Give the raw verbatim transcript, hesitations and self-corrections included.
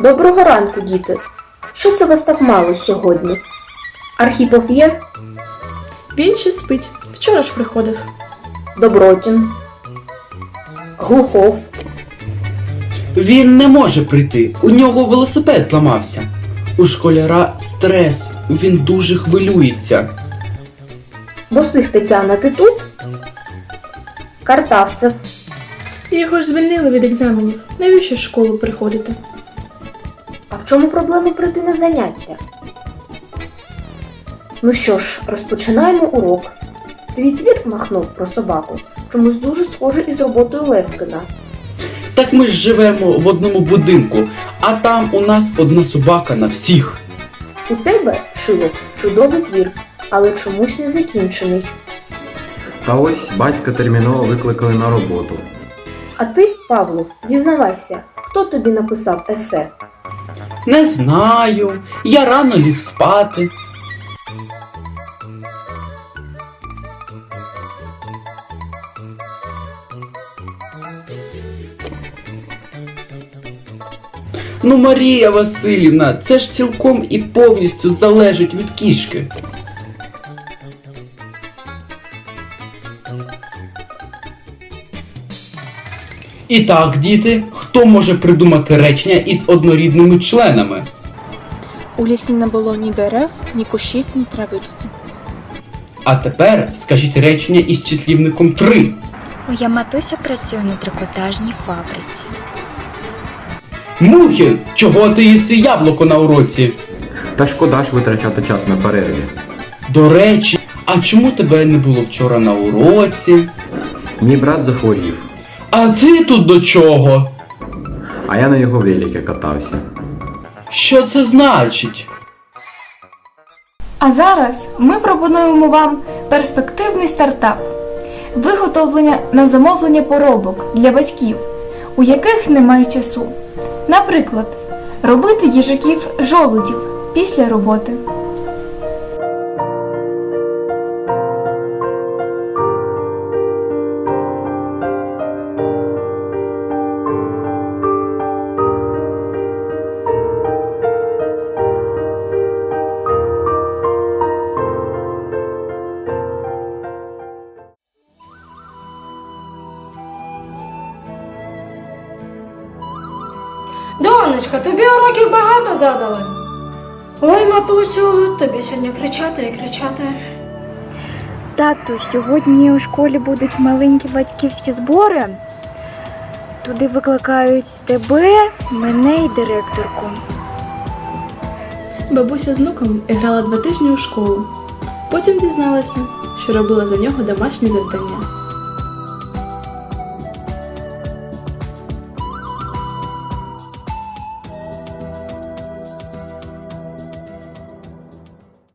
Доброго ранку, діти. Що це вас так мало сьогодні? Архіпов є? Він ще спить. Вчора ж приходив. Добротін? Глухов? Він не може прийти, у нього велосипед зламався. У школяра стрес, він дуже хвилюється. Босих Тетяна, ти тут? Картавцев? Його ж звільнили від екзаменів. Навіщо в школу приходити? А в чому проблема прийти на заняття? Ну що ж, розпочинаємо урок. Твій твір махнув про собаку, чомусь дуже схоже із роботою Левкіна. Так ми ж живемо в одному будинку, а там у нас одна собака на всіх. У тебе, Шилов, чудовий твір, але чомусь не закінчений. Та ось батька терміново викликали на роботу. А ти, Павлов, зізнавайся, хто тобі написав есе? Не знаю, я рано ліг спати. Ну, Марія Василівна, це ж цілком і повністю залежить від кішки. І так, діти, хто може придумати речення із однорідними членами? У лісі не було ні дерев, ні кущів, ні травичці. А тепер скажіть речення із числівником три. Моя матуся працює на трикотажній фабриці. Мухін, чого ти їси яблуко на уроці? Та шкода ж витрачати час на перерві. До речі, а чому тебе не було вчора на уроці? Мій брат захворів, А ти тут до чого? а я на його велике катався. Що це значить? А зараз ми пропонуємо вам перспективний стартап – виготовлення на замовлення поробок для батьків, у яких немає часу. Наприклад, робити їжаків-жолудів після роботи. Донечка, тобі уроків багато задали? Ой, матусю, тобі сьогодні кричати і кричати. Тату, сьогодні у школі будуть маленькі батьківські збори. Туди викликають тебе, мене і директорку. Бабуся з внуком грала два тижні у школу. Потім дізналася, що робила за нього домашні завдання.